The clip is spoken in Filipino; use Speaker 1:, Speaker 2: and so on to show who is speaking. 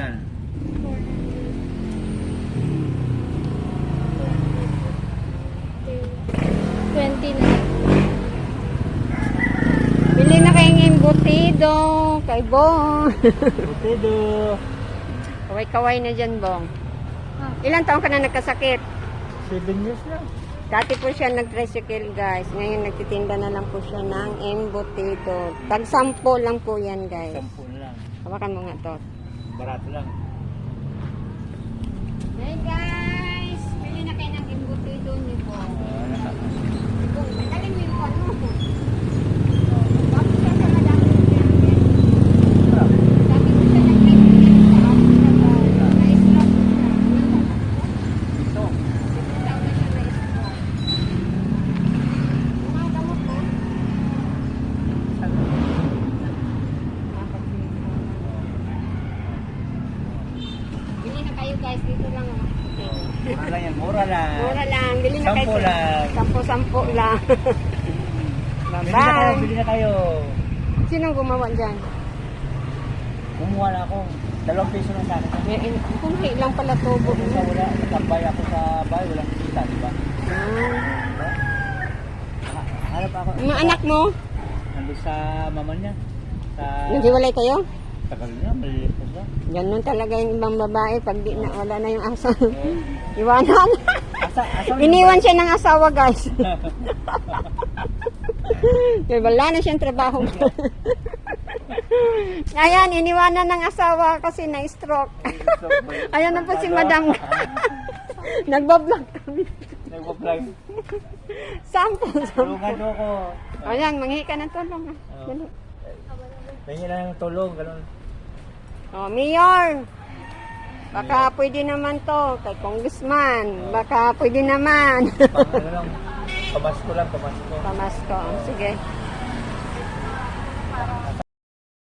Speaker 1: original.
Speaker 2: 20 na. Bili na kayong embutido kay Bong.
Speaker 1: Potato.
Speaker 2: Kaway-kaway na dyan, Bong. Ilang taon ka na nagkasakit?
Speaker 1: 7 years na.
Speaker 2: Dati po siya nag-tricycle, guys. Ngayon nagtitinda na lang po siya ng embutido. Tag-10 lang po yan, guys.
Speaker 1: 10 lang.
Speaker 2: Hawakan mo nga to.
Speaker 1: Barato lang.
Speaker 2: Hey, guys! Bili na kayo ng embutido ni Bong. Bong, tagalin mo yung ano mo. Bakit siya sa madami niya? Dati po siya nag-tricycle sa akin. Na-stroke po siya.
Speaker 1: Ito.
Speaker 2: Ito daw na siya na-stroke. Mga gamot mo? Bili na kayo, guys. Dito lang.
Speaker 1: Mura lang yan. Mura lang.
Speaker 2: Mura lang. Bili na kayo.
Speaker 1: 10 lang.
Speaker 2: 10 lang.
Speaker 1: Bili na kayo.
Speaker 2: Bye-bye.
Speaker 1: Bili na kayo.
Speaker 2: Sinong gumawa dyan?
Speaker 1: Kumuha na ako. 2 piso lang sa akin.
Speaker 2: Kunti lang pala tubo.
Speaker 1: Kung sa wala, tambay ako sa bahay, walang kita, di ba? Harap ako.
Speaker 2: Mga anak mo?
Speaker 1: Nandun sa mama niya. Sa...
Speaker 2: Naghiwalay kayo?
Speaker 1: Tagal niya, maliit pa siya.
Speaker 2: Ganun talaga yung ibang babae pag di na, wala na yung asa. Iwanan.
Speaker 1: Asa
Speaker 2: Iniwan siya ng asawa, guys. Kaya wala na siyang trabaho. Ayan, iniwanan ng asawa kasi na-stroke. Ayan na po si madam. Nagbablog kami.
Speaker 1: Nagpa-vlog.
Speaker 2: Sampo.
Speaker 1: Tulungan mo ako.
Speaker 2: Ayan, manghi ka ng tulong. Dali.
Speaker 1: Tingin na ng tulong, ganun.
Speaker 2: Oh, Mayor. Baka pwede naman to. Kay Congressman. Baka pwede naman.
Speaker 1: Ano lang, pamasko lang, pamasko.
Speaker 2: Pamasko. Sige.